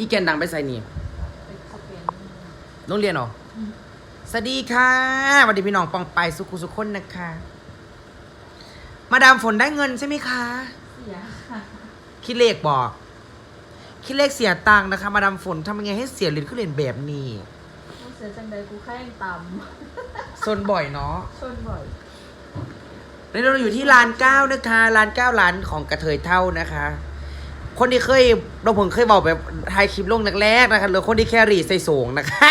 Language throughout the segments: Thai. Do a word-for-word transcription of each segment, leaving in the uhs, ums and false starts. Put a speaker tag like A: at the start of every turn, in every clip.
A: อีแกนดังไปใส่นี่โรงเรียนเหรอสวัสดีค่ะสวัสดีพี่น้องปองไปสุขุสุขคนนะคะมาดามฝนได้เงินใช่ไหมคะ
B: เสียค่ะ
A: คิดเลขบอกคิดเลขเสียตังค์นะคะมาดามฝนทำยังไงให้เสียเหรียญขึ้นเหรียญแบบนี้
B: กูเสียจังใดกูแค่ยังต่
A: ำซนบ่อยเนาะ
B: ชนบ่อย
A: นี่เราอยู่ที่ร้านเก้านะคะร้านเก้าร้านของกระเทยเท่านะคะคนที่เคยเราผมเคยบอกแบบถ่ายคลิปลงแรกๆนะคะหรือคนที่แครี่ใส่สูงนะคะ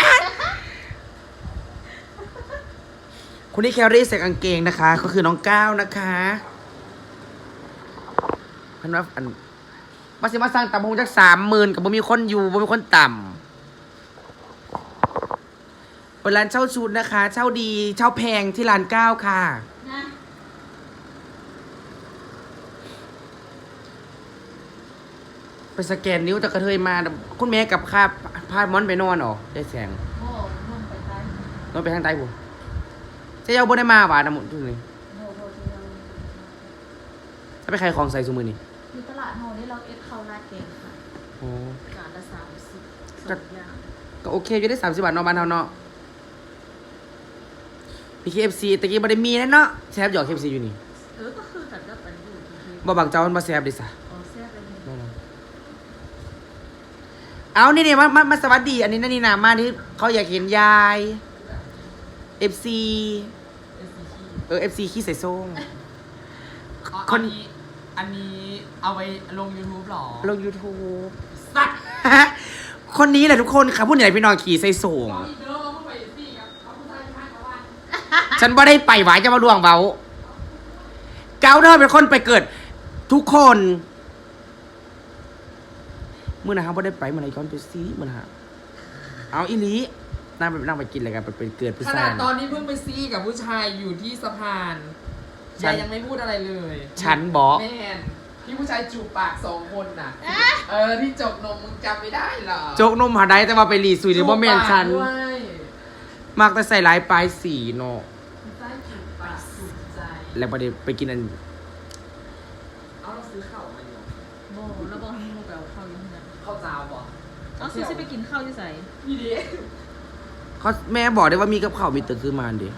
A: คนที่แครี่ใส่กางเกงนะคะก็คือน้องก้าวนะคะพันว่าอันมาสิมาสร้างต่ำหงจากสามหมื่นกับบ่มีคนอยู่บ่มีคนต่ำเป็นร้านเช่าชุดนะคะเช่าดีเช่าแพงที่ร้านเก้าค่ะไปสแกนนิ้วแต่กระเทยมาคุณแม่กับข้าพาม้อนไปนอนหรอได้แสง
B: โอ้นอนไปใต้
A: นอนไปทางใต้บุจะเอาบ่ได้มาหวานนะหมดทุกนี้ถ้าไปใครของใส่ซูมือนี่
B: มีตลาดโฮนี่เราเอฟเข้าราดเก่งค่ะโอ้จานละสามสิบสองอย่าง
A: ก็โอเคอยู่ได้สามสิบบาทนอนบ้านเท่าเนาะพีเคเอฟซีตะกี้บ่ได้มีแล้วเนาะแซบหยอกเคเอฟซีอยู่นี่
B: เออก็คือกันก็เป็นอยู่
A: บ่บางเจ้ามันมาแซบดิสะ
B: อ๋อแซบเลย
A: เอานี่เนี่ยมามามาสวัสดีอันนี้นั่นนี่นามาที่เขาอยากเห็นยายเอฟซีเออเอฟซีขี้ใส่ส้ง
C: คนนี้อันนี้เอาไว้ลง YouTube หรอ
A: ลง YouTube สัตว์คนนี้แหละทุกคนค่ะผู้ใหญ่พี่น้องขี่ใส่สูงฉันบ่ได้ไปหวายจะมาล่วงเบาเกาเดอร์เป็นคนไปเกิดทุกคนเมื่อนะครับบ่ได้ไปเมื่อไหร่ย้อนไปซีเมื่อนะเอาอีลีนั่งไปนั่งไปกินอะไรกันไปเกิดผู้ชาย
C: ขนาดตอนนี้เพิ่งไปซีกับผู้ชายอยู่ที่สะพานยายยังไม่พูดอะไรเลย
A: ฉันบอก
C: แม่ที่ผู้ชายจูบปากสองคนน่ะเออที่จกนมมึงจำไม่ได้หรอ
A: จกนมหาได้แต่ว่าไปรีสุยหรือว่าแม่นฉันมากแต่ใส่ลายปลายสีเนาะแล้วประเดี๋ยวไปกินอัน
C: เอาเราซื้อข้าวมาอยู่
B: โม่แล้วบอกให้โม่ไปเอาข้าวอยู่ที่ไหน
C: ข้าวจ้าวบ่
B: เอาซื้อไปกินข้าวที่ไหน
C: นี่ดิ
A: เขาแม่บอกได้ว่ามีกับข้าวมีตื่นขึ้นมาดิ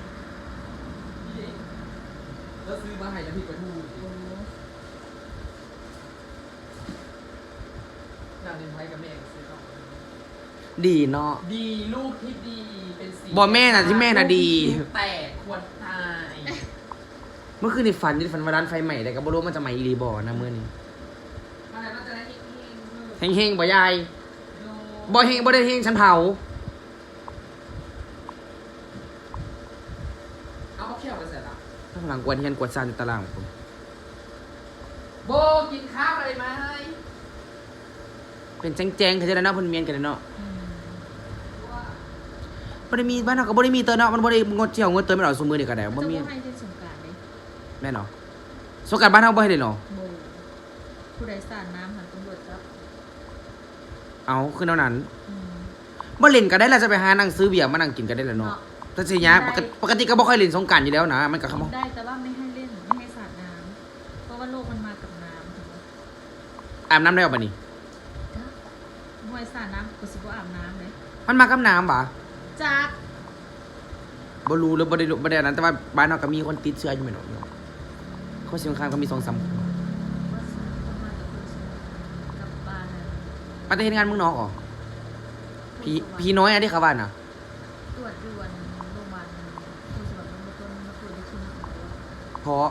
C: แล้วซื้อมาให้น้ำพริกปลาทูนางเดินไว้กับแม่ซื้อข้าว
A: ดีเนาะ
C: ดีลูกที่ดีเป็นสี
A: บอกแม่น่ะที่แม่น่ะดี
C: แต่ควรตาย
A: เมื่อคืนในฝันที่ฝันว่าร้านไฟใหม่แต่ก็บ่รู้มันจะใหม่อีรีบอนะเมื่อนี้เฮงเฮงบ่ยายบ่เฮงบ่ได้เฮงฉันเผา
C: เอาเขาเขี่ยวไปเสร็จแล้ว
A: ข้างหลังกวนเฮียนกวนซานในตารางผม
C: โบกินข้าวอะไรไหม
A: เป็นแจ้งๆเขาจะได้เนาะเพิ่นเมียนกันเนาะบ่ได้มีบ้านเราก็บ่ได้มีเตอเนาะมันบ่ได้งดเที่ยวงดเตอไม่เอาซุมื้อนี่ก็ได้บ่มีแม่นเนาะสงกรานต์บ้านเฮาบ่ให้เลยเนาะ
B: ผู้ใดสาดน้ำหันตำรวจจับ
A: เอาคือเท่านั้นบ่เล่นก็ได้แล้วจะไปหานั่งซื้อเบียร์มานั่งกินกันได้แล้วเนาะแต่สิยะปกติก็บ่ค่อยเล่นสงกรานต์อยู่แล้วนะมันก็คำ
B: ได้แต่ว่าไม่ให้เล่นไม่ให้สาดน้ำเพราะว่าโลกมันมากับน้ำ
A: อาบน้ำได้บ่บัดนี้
B: ห้วยสาดน้ำก็สิบ่อาบน้ำเลย
A: มันมากับน้ำบ่
B: จัก
A: บ่รู้หรือบ่ได้บ่ได้นั้นแต่ว่าบ้านเฮาก็มีคนติดเชื้ออยู่แม่นเนาะเขาสิค่อนข้างก็มี สองสาม คนไปเฮ็ดงานเมืองนอกอ๋อพี่พี่น้อยอันที่เขาว่าน่ะ
B: ตรวจด่วนโรงพยาบาลผู้สมัครมาต้นมาคุยได้ที่นี่
A: เพราะ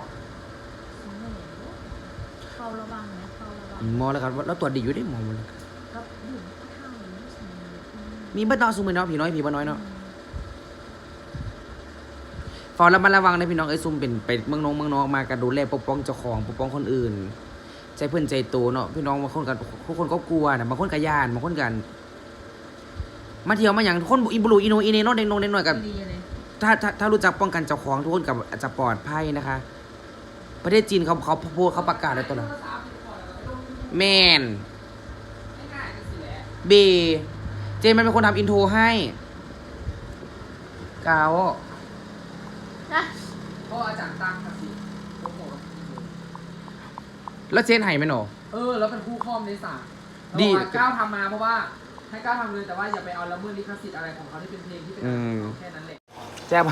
B: เฝ้าระวังนะเฝ้าระวัง
A: หมอแล้วกันแล้วตรวจดีอยู่ได้หมอมัน
B: ก็อยู่ข้าง
A: มีบ่ต้องซุมื้อเนาะพี่น้อยพี่บ่น้อยเนาะฟอระมัดระวังนะพี่น้องไอ้ซุ่มเป็นไปเมืองนองเมืองนอกมากันดูแลปกป้องเจ้าของปกป้องคนอื่นใจเพื่อนใจโตเนาะพี่น้องบางคนกันทุกคนก็กลัวนะบางคนก็ย่านบางคนกันมาเที่ยวมาอย่างทุกคนอิบุรุอิโนอิเนโนเด็กนงเด็กหน่อยกับถ้าถ้าถ้ารู้จักป้องกันเจ้าของทุกคนกับจะปลอดภัยนะคะประเทศจีนเขาเขาพูดเขาประกาศอะไรตัวนั้นแมนเบเจมันเป็นคนทำอินโทรให้กาว
C: พ่ออาจารย์ตั้งค่ะสิ
A: แล้วเจนไห่ไหมหนู
C: เออแล้วเป็นคู่คอมในสามดีก้าวทำมาเพราะว่าให้กล้าทำเลยแต่ว่าอย่าไปเอาละเมิดลิขสิทธิ์อะไรของเขาที่เป็นเพลงที่เป็นแค่นั้นแหละ
A: แซ่บ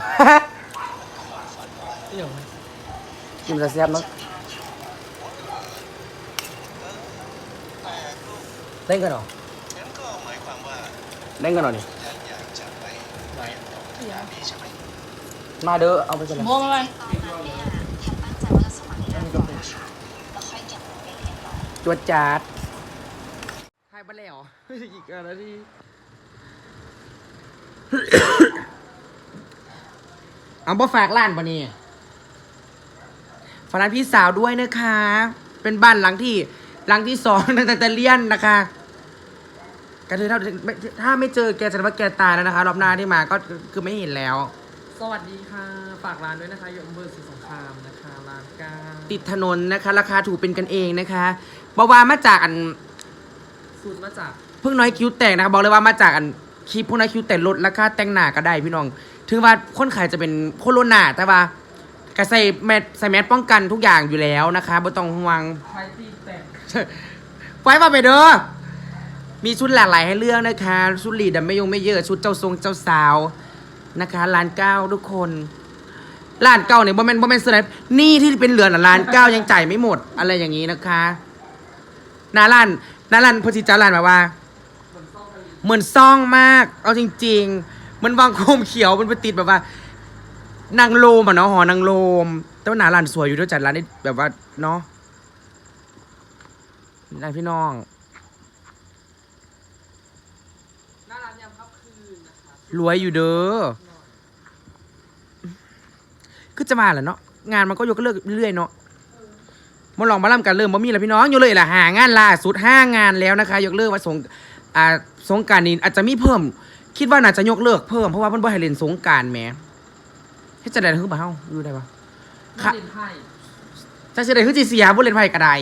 C: เดี๋ยว
A: กินจะแซ่บเนาะเล่นกันเหรอเล่นกันเหรอนี่มาเด้อเอาไปกันเลย
B: โมงอะไร
A: จวดจาดให้บ้านแล้วอีกนาที เอาบ่ฝากร้านปะนี่ฝากร้านพี่สาวด้วยนะคะ เป็นบ้านหลังที่หลังที่สองตั้งแต่เรียนนะคะก็คือถ้าถ้าไม่เจอแกแสดงว่าแกตายแล้วนะคะรอบหน้าที่มาก็คือไม่เห็นแล้ว
C: สวัสดีค่ะฝากร้านด้วยนะคะอยู่อำเภอศรีสงครามนะคะร้านกา
A: ติดถนนนะคะ ราคาถูกเป็นกันเองนะคะบอกว่ามาจากอัน
C: สูตรมาจาก
A: เพิ่งน้อยคิ้วแตกนะคะบอกเลยว่ามาจากอันคลิปพวกน้อยคิ้วแตกลดราคาแต่งหน้าก็ได้พี่น้อง ถึงว่าคนขายจะเป็นโคโรนาแต่ว่าก็ใส่แมสใส่แมสป้องกันทุกอย่างอยู่แล้วนะคะไม่ต้องห่วง
C: ไทยตีแตก
A: ไว้มาไปเด้อมีชุดหลากหลายให้เลือกนะคะชุดหลีดไม่ยงไม่เยอะชุดเจ้าทรงเจ้าสาวนะคะร้านเก้าทุกคนร้านเก้าเนี่ยบ่แม่นบ่แม่นเสื้อไหนนี่ที่เป็นเหลือน่ะร้านเก้ายังจ่ายไม่หมดอะไรอย่างนี้นะคะหน้าร้านหน้าร้านพอสิจ้าร้านแบบว่า เหมือนซ่องมาก เอาจริงๆ มันวางโคมเขียวมันไปติดแบบว่านางโลมอ่ะเนาะหอนางโลม แต่ว่าหนาร้านสวยอยู่ด้วยจัดร้านได้แบบว่าเนาะนายพี่น้อง
C: หน้าร้านยำค่ำคืนนะคะ
A: รวยอยู่เด้อคือจะมาแหละเนาะงานมันก็ยกเลิกเรื่อยๆเนาะมาลองมาล่ำกันเริ่มบ่มีแล้วพี่น้องอยู่เลยแหละหางานล่าสุดห้างานแล้วนะคะ ยกเลิกว่าสงอ่าสงกรานต์นี้อาจจะมีเพิ่ม คิดว่าน่าจะยกเลิกเพิ่มเพราะว่ามันบ่ให้เล่นสงกรานต์แหมให้จะได้คือบ่เฮาอยู่ได้ปะ
C: ค่ะเล่นไพ่
A: จะเสียดายคือจีเสียบ่เล่นไพ่กระได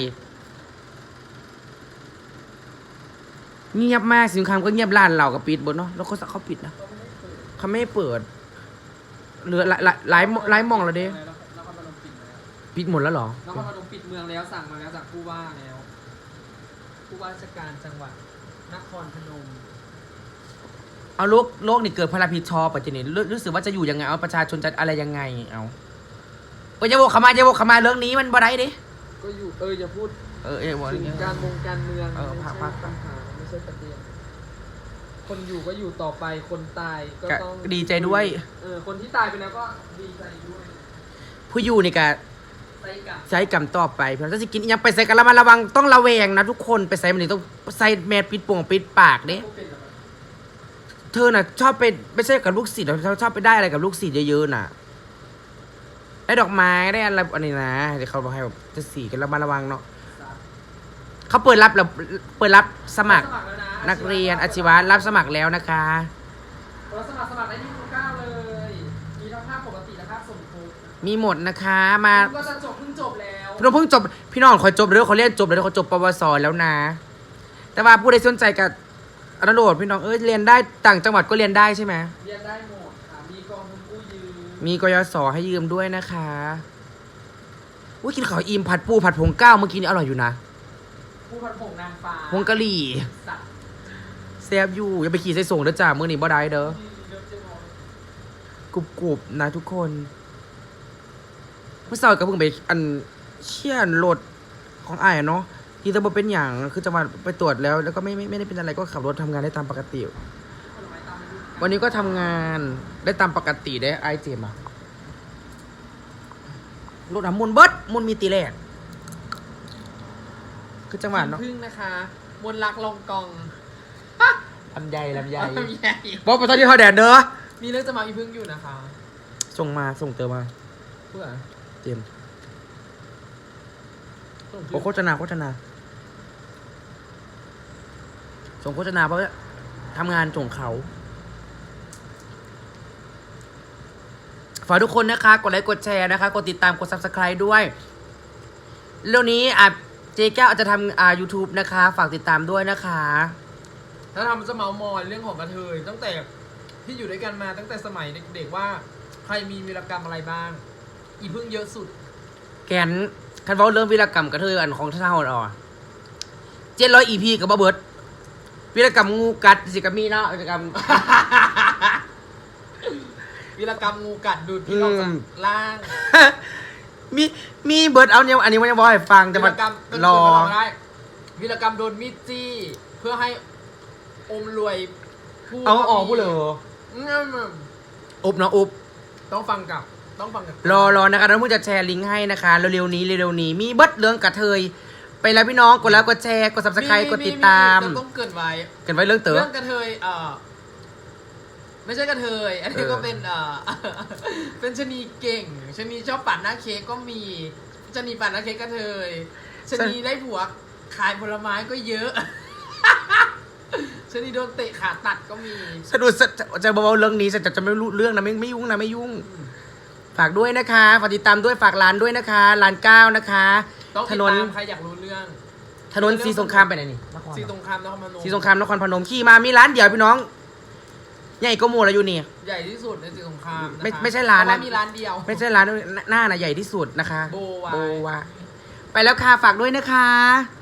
A: เงียบมากสินค้าก็เงียบร้านเราก็ปิดบนเนาะแล้วเขาเขาปิดนะเขาไม่ให้เปิดเหลือหลายหลายหลายหลายหมองแล้วเด้
C: แล้วแล้วก็มาลงปิดแล้ว
A: ปิดหมดแล้วเหรอ
C: แล้วก็มาลงปิดเมืองแล้วสั่งมาแล้วจากผู้ว่าแล้วผู้ว่าราชการจังหวัดนครพนม
A: เอาโลกโลกนี่เกิดพลพิดชอบปัจจุบันรู้รู้สึกว่าจะอยู่ยังไงเอาประชาชนจะอะไรยังไงเอาเออจะโวกขมาจะโวกขมาเรื่องนี้มันบ่ได้ดิ
C: ก็อยู่เอออย่าพูด
A: เออเออบอกอย่าง
C: ถึ
A: เงี้
C: ง
A: ย
C: การมงการเมือง
A: เออ
C: ไม่
A: พัก
C: ใช่
A: พัก
C: ปัญหาไม่ใช่ประเด็นคนอยู่ก็อยู่ต่อไปคนตายก็
A: ก็
C: ต้อง
A: ดีใจด้วย
C: เออคนที่ตายไปแล้วก็ดีใจด้วย
A: ผู้อยู่นี่ก็
C: ใส่กับ
A: ใช้กรรมต่อไปเพราะถ้าจะกินอิหยังไปใส่กันระมัดระวังต้องระแวงนะทุกคนไปใส่มันนี่ต้องใส่แมสปิดโป่งปิดปากเด้
C: ผู้เป็นแบบ
A: เธอน่ะชอบไปไม่ใช่กับลูกศิษย์เธอชอบไปได้อะไรกับลูกศิษย์เยอะๆน่ะได้ดอกไม้ได้อะไรอันนี้นะเดี๋ยวเขาบอกให้แบบจะสีกันระมัดระวังเนาะเขาเปิดรับแล้วเปิดรับสมัคร
C: สมัครแล้วนะ
A: นักเรียนอาชีวะรับสมัครแล้วนะคะ
C: เราสมัครสมัครได้ที่ทุกเก้าเลยมีทั้งภาคปกติและภาคสมทบ
A: มีหมดนะคะมา
C: ก็จะจบเพิ่งจบแล้ว
A: พี่น้องเพิ่งจบพี่น้องคอยจบเดี๋ยวเขาเรียนจบเดี๋ยวเขาจบปวสแล้วนะ แต่ว่าผู้ใดสนใจกับอนุโหลดพี่น้องเอ้ยเรียนได้ต่างจังหวัดก็เรียนได้ใช่ไหม
C: เรียนได้หมดค่ะมีกองทุนกู้ยืม
A: มีกยศให้ยืมด้วยนะคะอุ้ยกินข้าวอิ่มผัดปูผัดผงก้าวเมื่อกี้นี่อร่อยอยู่นะ
C: ผู้พันผงนางฟ้า
A: ผงกะหรี่
C: สัตว์
A: แซ่บอยู่อย่าไปขี่ใส่ส่งเด้อจ้ามื้อนี้บ่ได้เด้อ
C: ที่เริ่มจะมอง
A: กรุบกรุบนะทุกคนเมื่อเช้าก็เพิ่งไปอันเชี่ยนรถของอ้ายอะเนาะที่จะบ่เป็นอย่างคือจะมาไปตรวจแล้ว แล้วก็ไม่ไม่ไม่ได้เป็นอะไรก็ขับรถทำงานได้ตามปกติ
C: ผลไม้ตามฤดูกาล
A: วันนี้ก็ทำงานได้ตามปกติได้ไอเจมอะรถน้ำมุนเบิดมุนมีตีแรกคือจังหวัดเนาะ
C: พึ่งนะคะมนลักลองกอง
A: ลำไยลำไย
C: ลำไย
A: บอกไปตอนที่เขาแดดเด้อ
C: มีเรื่องจะมาอีพึ่งอยู่นะคะ
A: ส่งมาส่งเติมมา
C: เพื่อ
A: เจมส์
C: ส่ง
A: โอ้โฆษณาโฆษณาส่งโฆษณาเพราะว่าทำงานส่งเขาฝากทุกคนนะคะ กดไลค์กดแชร์นะคะ กดติดตามกด ซับสไครบ์ ด้วยเรื่องนี้อ่ะเจ๊แก้วอาจจะทำอ่า ยูทูบ นะคะ ฝากติดตามด้วยนะคะ
C: ถ้าทำจะเมาส์มอยเรื่องของกระเทยตั้งแต่ที่อยู่ด้วยกันมาตั้งแต่สมัยเด็กๆว่าใครมีวีรกรรมอะไรบ้าง อีพึ่งเยอะสุด
A: แกนคันเว้าเรื่องวีรกรรมกระเทยอันของท่าเฮาอ่ะเจ็ดร้อยอีพีกับบ่เบิดวีรกรรมงูกัดสิกามีเนาะวีรกรรม
C: วีรกรรมงูกัดดูดพี่น้องจากล่าง
A: มีมีเบิร์ดเอาเนี่ยอันนี้มันยังบอกให้ฟังแต่
C: วี
A: มั
C: ร
A: น
C: กรรมเป็น
A: รอ
C: คนมาได้วีรกรรมโดนมีดจี้ เพื่อให้อมรวยผู้
A: เอาออกพูดเลย
C: อืม
A: อุบเนาะอุบ
C: ต้องฟังกับต้องฟังกับ
A: รอรอนะคะแล้วมึงจะแชร์ลิงก์ให้นะคะเร็วๆนี้เร็วๆนี้มีเบิร์ดเรื่องกระเทยไปแล้วพี่น้องกดแล้วกดแชร์กดซับสไครต์กดติดตาม
C: เรต้องเกินไว้
A: กันไว้เรื่องเต๋อ
C: เรื่องกระเทยเอ่อไม่ใช่กระเทย อันนี้
A: เออ
C: ก็เป็นเอ่อ เป็นชะนีเก่งชะนีชอบปั่นหน้าเค้กก็มีชะนีปั่นหน้าเค้กกระเทยชะนีได้ผัวขายผลไม้ก็เยอะ ชะนีโดนเตะขาตัดก็มี
A: สะดุดสะจะเบาๆเรื่องนี้จะจะจะไม่รู้เรื่องนะไม่ไม่ยุ่งนะไม่ยุ่ง ฝากด้วยนะคะฝากติดตามด้วยฝากร้านด้วยนะคะร้านเก้านะคะ
C: ต้อง
A: ถ
C: ติด
A: นน
C: ตามใครอยากรู้เรื่อง
A: ถนนสีสงครามไปไหนนี่นคร
C: สีสงครามนครพนม
A: สีสงครามนครพนมขี่มามีร้านเดียวพี่น้องใหญ่ก็หมูแล้วอยู่นี่
C: ใหญ่ที่สุดในสีสงครามนะคะ
A: ไม่ไม่ใช่ร้าน
C: เพะ
A: นะ
C: ว่มีร้านเดียว
A: ไม่ใช่ร้านหน้าน่ะใหญ่ที่สุดนะคะ
C: โบวาย
A: วาไปแล้วค่ะฝากด้วยนะคะ